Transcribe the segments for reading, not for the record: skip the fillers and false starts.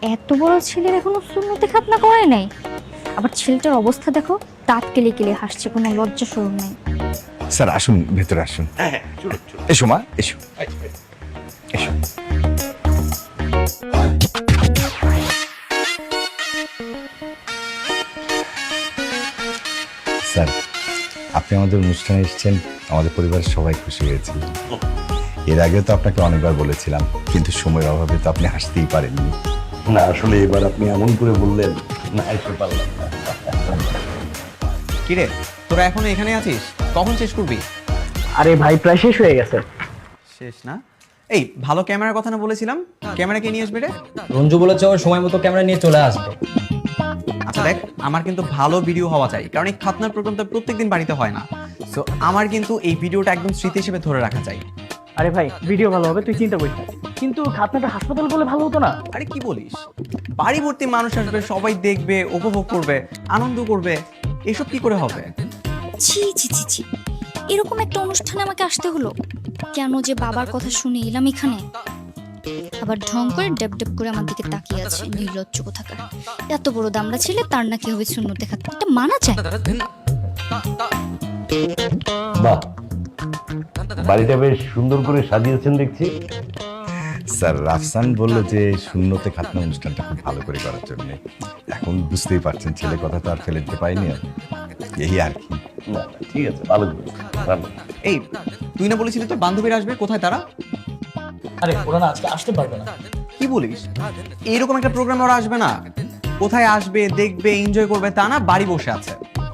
এত বড় ছেলের এখনো সুন্নতে খাতনা করে নাই, আবার ছেলেটার অবস্থা দেখো, দাঁত কেলে কেলে হাসছে, কোনো লজ্জা শরম নেই। স্যার আসুন, ভেতরে আসুন। এসো মা, এসো এসো। স্যার, আপনি আমাদের অনুষ্ঠানে এসেছেন, আমাদের পরিবারের সবাই খুশি হয়েছে। এর আগেও তো আপনাকে অনেকবার বলেছিলাম, কিন্তু সময়ের অভাবে তো আপনি আসতেই পারেননি। না, আসলে এবার আপনি এমন করে বললেন, না এসে পারলাম না। কিরে, তোরা এখনো এখানে আছিস? কখন শেষ করবি? আরে ভাই, প্রায় শেষ হয়ে গেছে। শেষ না? এই ভালো ক্যামেরার কথা না বলেছিলাম, ক্যামেরা কে নিয়ে আসবে রে? রঞ্জু বলেছে ওর সময় মতো ক্যামেরা নিয়ে চলে আসবে। আচ্ছা দেখ, আমার কিন্তু ভালো ভিডিও হওয়া চাই, কারণ এই খাতনার প্রোগ্রামটা প্রত্যেকদিন বাড়িতে হয় না। সো আমার কিন্তু এই ভিডিওটা একদম স্মৃতি হিসেবে ধরে রাখা চাই। আরে ভাই, ভিডিও ভালো হবে, তুই চিন্তা করিস না। কিন্তু খাতনাটা হাসপাতাল বলে ভালো হতো না? আরে কি বলিস, বাড়ি ভর্তি মানুষ আসবে, সবাই দেখবে, উপভোগ করবে, আনন্দ করবে, এসব কি করে হবে? ছি ছি ছি ছি, এরকম একটা অনুষ্ঠানে আমাকে আসতে হলো কেন? যে বাবার কথা শুনে এলাম এখানে, আবার ঢং করে ডেপ ডেপ করে আমার দিকে তাকিয়ে আছে, নির্লজ্জ কোথাকার। এত বড় দামড়া ছেলে, তার নাকি হবে সুন্নতে খাতনা, এটা মানা যায়? বাহ, বাড়িটা বেশ সুন্দর করে সাজিয়েছেন দেখছি। স্যার, রাফসান বললো যে সুন্নতে খাতনা অনুষ্ঠানটা খুব ভালো করে করার জন্য। এখন বুঝতেই পারছেন, ছেলে কথা তো আর ফেলে দিতে পারিনি, এই আর কি। না, ঠিক আছে, ভালো করেছেন, ভালো। এই তুই না বলেছিলি তোর বান্ধবীরা আসবে, কোথায় তারা? আরে ওরা না আজকে আসতে পারবে না। কি বলিস? এইরকম একটা প্রোগ্রামে ওরা আসবে না? কোথায় আসবে, দেখবে, এনজয় করবে তা না, বাড়ি বসে আছে।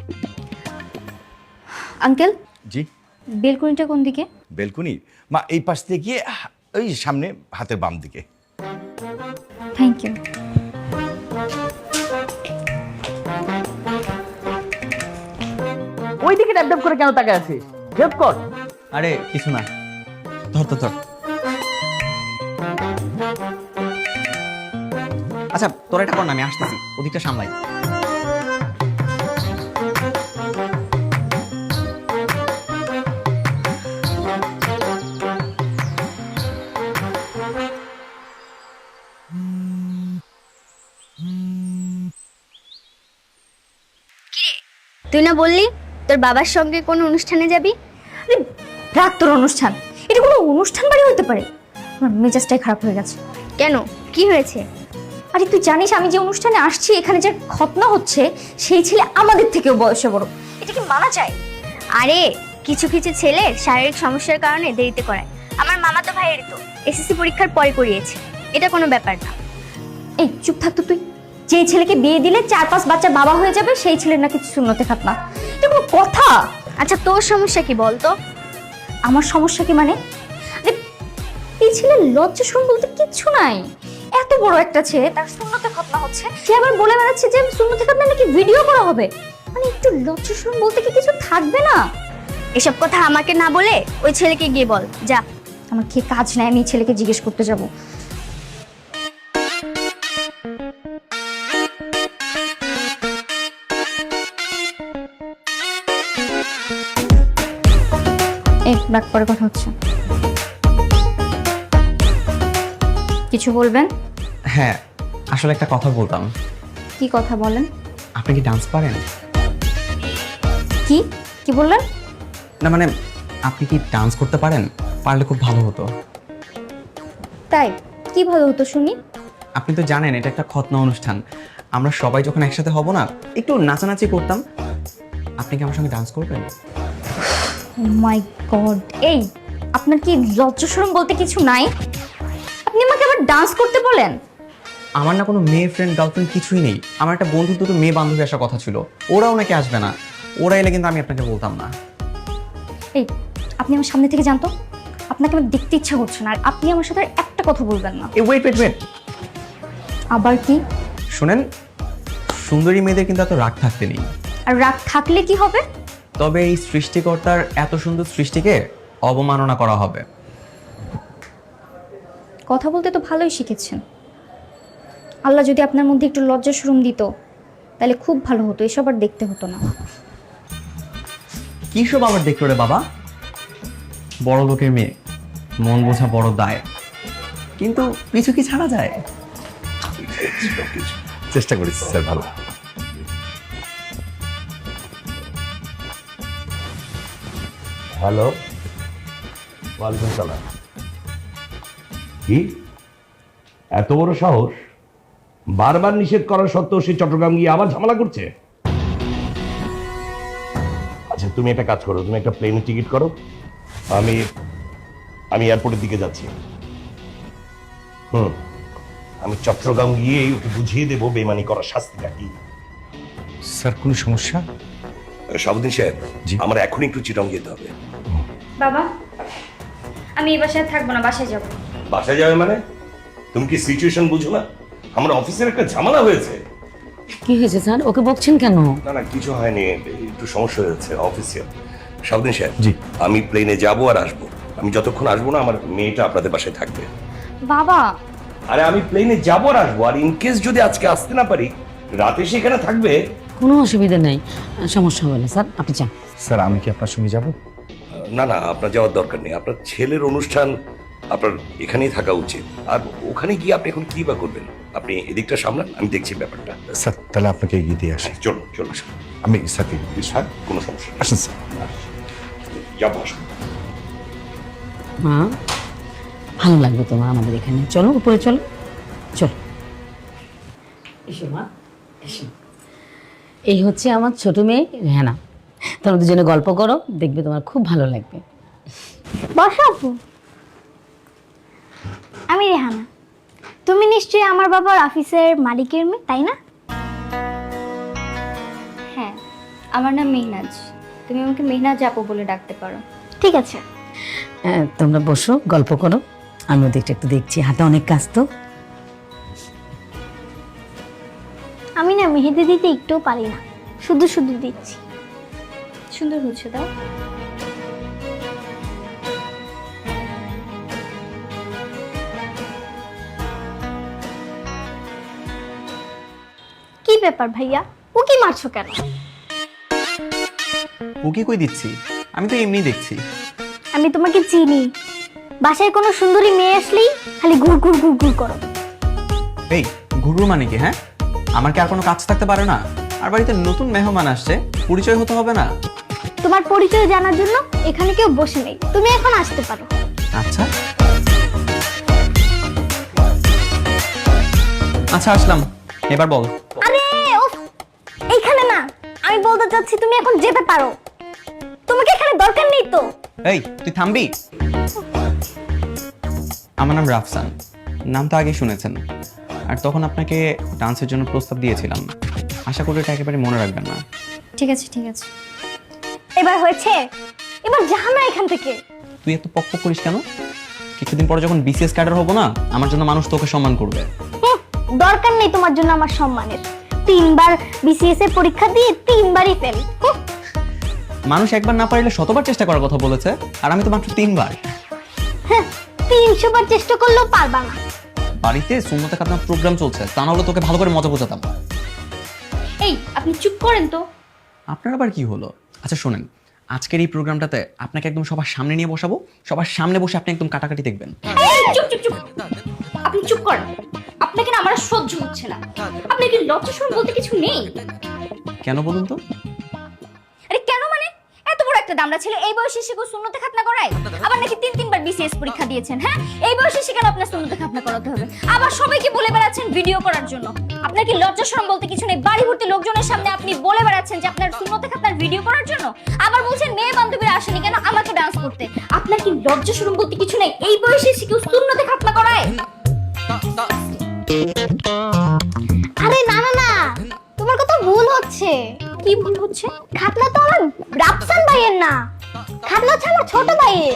আঙ্কেল, জি? বেলকনিটা কোন দিকে? বেলকুনি মা, এই পাশ থেকে গিয়ে ওই সামনে হাতের বাম দিকে। Thank you. ওই দিকে ড্যাপ ড্যাপ করে কেন তাকায় আছিস? হেল্প কর। আরে কিছু না, ধর ধর ধর। আচ্ছা তোরা এটা কর না, আমি আসতেছি, ওদিকটা সামলাই। তুই না বললি তোর বাবার সঙ্গে কোন অনুষ্ঠানে যাবি? আরে রাখ তোর অনুষ্ঠান, এটা কোনো অনুষ্ঠান বাড়ি হতে পারে? আমার মেজাজটাই খারাপ হয়ে গেছে। কেন, কি হয়েছে? আরে তুই জানিস আমি যে অনুষ্ঠানে আসছি, এখানে যে খতনা হচ্ছে, সেই ছেলে আমাদের থেকেও বয়সে বড়, এটা কি মানা যায়? আরে কিছু কিছু ছেলে শারীরিক সমস্যার কারণে দেরিতে করায়। আমার মামাতো ভাইয়ের তো এসএসসি পরীক্ষার পরে করিয়েছে, এটা কোনো ব্যাপার না। এই চুপ থাক তো তুই। যে ছেলেকে বিয়ে দিলে 4-5 বাচ্চা বাবা হয়ে যাবে, সেই ছেলের নাকি সুন্নতে খাতনা, এটা কোনো কথা? আচ্ছা তোর সমস্যা কি বলতো? আমার সমস্যা কি মানে? আরে এই ছেলের লজ্জা শরম বলতে কিচ্ছু নাই। এত বড় একটা ছেলে, তার সুন্নতে খাতনা হচ্ছে, সে আবার বলে বেড়াচ্ছে যে সুন্নতে খাতনা নাকি ভিডিও করা হবে। মানে একটু লজ্জা শরম বলতে কি কিছু থাকবে না? এসব কথা আমাকে না বলে ওই ছেলেকে গিয়ে বল, যা। আমার কি কাজ নাই, আমি এই ছেলেকে জিজ্ঞেস করতে যাব? এই রাগ পরে কথা হচ্ছে, কিছু বলবেন? হ্যাঁ, আসলে একটা কথা বলতাম। কি কথা বলেন? আপনি কি ডান্স পারেন? কি কি বললেন? না মানে, আপনি কি ডান্স করতে পারেন? পারলে খুব ভালো হতো। তাই কি ভালো হতো শুনি। আপনি তো জানেন এটা একটা খতনা অনুষ্ঠান, আমরা সবাই যখন একসাথে হব না, একটু নাচানাচি করতাম। আপনি কি আমার সঙ্গে ডান্স করবেন? মাই গড, এই আপনার কি লজ্জা শরম বলতে কিছু নাই? আপনি আমাকে আবার ডান্স করতে বলেন? আমার না কোনো মেয়ে ফ্রেন্ড গার্লফ্রেন্ড কিছুই নেই। আমার একটা বন্ধু, দুটো মেয়ে বান্ধবী আসার কথা ছিল, ওরাও নাকি আসবে না। ওরা এলে কিন্তু আমি আপনাকে বলতাম না। এই আপনি আমার সামনে থেকে জানতো, আপনাকে আমার দেখতে ইচ্ছা করছে না, আর আপনি আমার সাথে আর একটা কথা বলবেন না। এই ওয়েট ওয়েট ওয়েট, আবার কি? শোনেন, সুন্দরী মেয়েদের কিন্তু এত রাগ থাকতে নেই। আর রাগ থাকলে কি হবে? তবে এই সৃষ্টিকর্তার এত সুন্দর সৃষ্টিকে অবমাননা করা হবে। কথা বলতে তো ভালোই শিখেছেন। আল্লাহ যদি আপনার মধ্যে একটু লজ্জা শরম দিত, তাহলে খুব ভালো হতো, এসব আর দেখতে হতো না। কি সব আবার দেখলো রে বাবা? বড় লোকের মেয়ে, মন বোঝা বড় দায়, কিন্তু পিছু কি ছাড়া যায়? কিছু চেষ্টা করেছি স্যার ভালো। হ্যালো, ওয়ালাইকুম সালাম। কি এত বড় সাহস? বারবার নিষেধ করার সত্ত্বেও সে চট্টগ্রাম গিয়ে আবার ঝামেলা করছে। আচ্ছা তুমি একটা কাজ করো, তুমি একটা প্লেনের টিকিট করো, আমি এয়ারপোর্টের দিকে যাচ্ছি। আমি চট্টগ্রাম গিয়ে ওকে বুঝিয়ে দেবো বেমানি করার শাস্তিটা কি। স্যার কোনো সমস্যা? সাবুদ্দিন সাহেব, জি। আমার এখন একটু চিটং যেতে হবে। বাবা, আমি এই বাসায় থাকবো না, বাসায় যাব। বাসায় যাবে মানে? তুমি কি সিচুয়েশন বুঝো না? আমার অফিসের একটা ঝামেলা হয়েছে। কি হয়েছে স্যার? ওকে বকছেন কেন? না না কিছু হয়নি, একটু সমস্যা হয়েছে অফিসে। সাবুদ্দিন সাহেব, জি। আমি প্লেনে যাবো আর আসবো। আমি যতক্ষণ আসবো না আমার মেয়েটা আপনাদের বাসায় থাকবে। বাবা, আরে আমি প্লেনে যাবো আর আসবো, আর ইনকেস যদি আজকে আসতে না পারি রাতে সেখানে থাকবে। কোনো অসুবিধা নেই, সমস্যা হবে না স্যার, আপনি যান। স্যার আমি কি আপনার সঙ্গে যাব? না না আপনার যাওয়ার দরকার নেই, আপনার ছেলের অনুষ্ঠান আপনার এখানেই থাকা উচিত। আর ওখানে গিয়ে আপনি এখন কি বা করবেন? আপনি এদিকটা সামলান, আমি দেখছি ব্যাপারটা। স্যার তাহলে আপনাকে এগিয়ে দিয়ে আসি। চলুন চলুন আমি স্যারকে স্যার, কোনো সমস্যা নেই। আসেন স্যার। যাবো, আসুন। মা, ভালো লাগবে তোমার আমাদের এখানে, চলো উপরে চলো, চলো। এসো মা, এসো। এই হচ্ছে আমার ছোট মেয়ে রেহানা, তোমরা দুজনে গল্প করো, দেখবে তোমার খুব ভালো লাগবে। বসো আপু। আমি রেহানা। তুমি নিশ্চয়ই আমার বাবার অফিসের মালিকের মেয়ে, তাই না? হ্যাঁ, আমার নাম মেহনাজ। তুমি আমাকে মেহনাজ আপু বলে ডাকতে পারো। ঠিক আছে। তোমরা বসো, গল্প করো, আমি ওদিকটা একটু দেখছি, হাতে অনেক কাজ তো। আমি না মেহেদি দিতে একটুও পারি না, শুধু শুধু দিচ্ছি। সুন্দর হচ্ছে, দাও। কি ব্যাপার ভাইয়া, ও কি মারছো কেন? ওকে কই দিচ্ছি? আমি তো এমনি দেখছি। আমি তোমাকে চিনি, বাসায় কোনো সুন্দরী মেয়ে আসলেই খালি ঘুর ঘুর ঘুর ঘুর করো। এই ঘুরু মানে কি? হ্যাঁ, আমার কি আর কোনো কাজ থাকতে পারে না? আর বাড়িতে নতুন মেহমান আসছে, পরিচয় হতে হবে না? তোমার পরিচয় জানার জন্য এখানে কেউ বসে নেই, তুমি এখন আসতে পারো। আচ্ছা আচ্ছা, আসলাম, এবার বল। আরে উফ, এইখানে না, আমি বলতে চাচ্ছি তুমি এখন যেতে পারো, তোমাকে এখানে দরকার নেই তো। এই তুই থামবি? আমার নাম রাফসান, নাম তো আগে শুনেছেন। আর তখন আপনাকে ডান্সের জন্য প্রস্তাব দিয়েছিলাম, আশা করি এটা একেবারে মনে রাখবেন না। ঠিক আছে, ঠিক আছে। এবার হয়েছে, এবার যাও না এখান থেকে। তুই এত পক পক করিস কেন? কিছুদিন পরে যখন বিসিএস ক্যাডার হবো না, আমার জন্য মানুষ তোকে সম্মান করবে। দরকার নেই তোমার জন্য আমার সম্মানের, 3বার বিসিএস এর পরীক্ষা দিয়ে 3বারই ফেল। মানুষ একবার না পারলে শতবার চেষ্টা করার কথা বলেছে, আর আমি তো মাত্র 3বার। 300 বার চেষ্টা করলেও পারবা না। বাড়িতে সুন্নতে খাতনার প্রোগ্রাম চলছে, তা না হলে তোকে ভালো করে মজা বোঝাতাম। এই, আপনি চুপ করেন তো। আপনার আবার কি হলো? আচ্ছা শোনেন, আজকের এই প্রোগ্রামটাতে আপনাকে একদম সবার সামনে নিয়ে বসাবো, সবার সামনে বসে আপনি একদম কাটাকাটি দেখবেন। এই, চুপ চুপ চুপ, আপনি চুপ করেন। আপনাকে না আমার আর সহ্য হচ্ছে না। আপনার কি লজ্জা শরম বলতে কিছু নেই? কেন বলুন তো? আরে কেন মানে, এত বড় একটা দামড়া ছেলে এই বয়সে সে সুন্নতে খাতনা করায়? আবার নাকি 3বার বিসিএস পরীক্ষা দিয়েছেন। হ্যাঁ, এই বয়সে সে কেন আপনার সুন্নতে খাতনা করাতে হবে? আবার সবাইকে বলে বেড়াচ্ছেন ভিডিও করার জন্য। আপনার কি লজ্জা শরম বলতে কিছু নেই? বাড়ি ভর্তি লোকজনের সামনে আপনি বলে বেড়াচ্ছেন যে আপনার সুন্নতে খাতনার ভিডিও করার জন্য। আবার বলছেন মেয়ে বান্ধবীরা আসেনি কেন আমাকে ডান্স করতে। আপনার কি লজ্জা শরম বলতে কিছু নেই? এই বয়সে সে কেউ সুন্নতে খাতনা করায়? আরে না না না, তোমার কথা ভুল হচ্ছে। কি ভুল হচ্ছে? খাতনা তো আমার রাফসান ভাইয়ের না, খাতনা হচ্ছে আমার ছোট ভাইয়ের।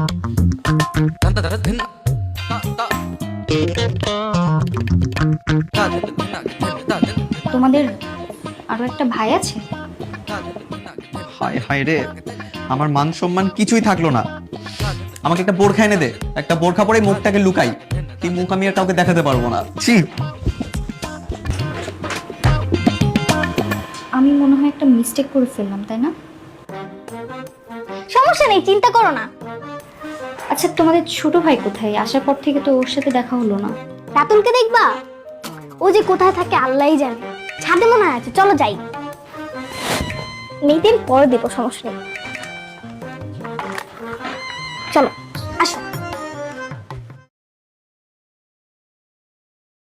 তোমাদের আরো একটা ভাই আছে? হায় হায় রে, আমার মান সম্মান কিছুই থাকলো না। আমাকে একটা বোরখা এনে দে, একটা বোরখা পরে মুখটাকে লুকাই। এই মুখ আমি আর কাউকে দেখাতে পারবো না। ছি। আমি মনে হয় একটা মিস্টেক করে ফেললাম, তাই না? সমস্যা নেই, চিন্তা করো না। আচ্ছা, তোমাদের ছোট ভাই কোথায়? আসার পর থেকে তো ওর সাথে দেখা হলো না। রাতুলকে দেখবা, ও যে কোথায় থাকে আল্লাহই জানে। ছাদে মনে হয় আছে, চলো যাই। মেয়েদের পরে দেবো, সমস্যা নেই, চলো।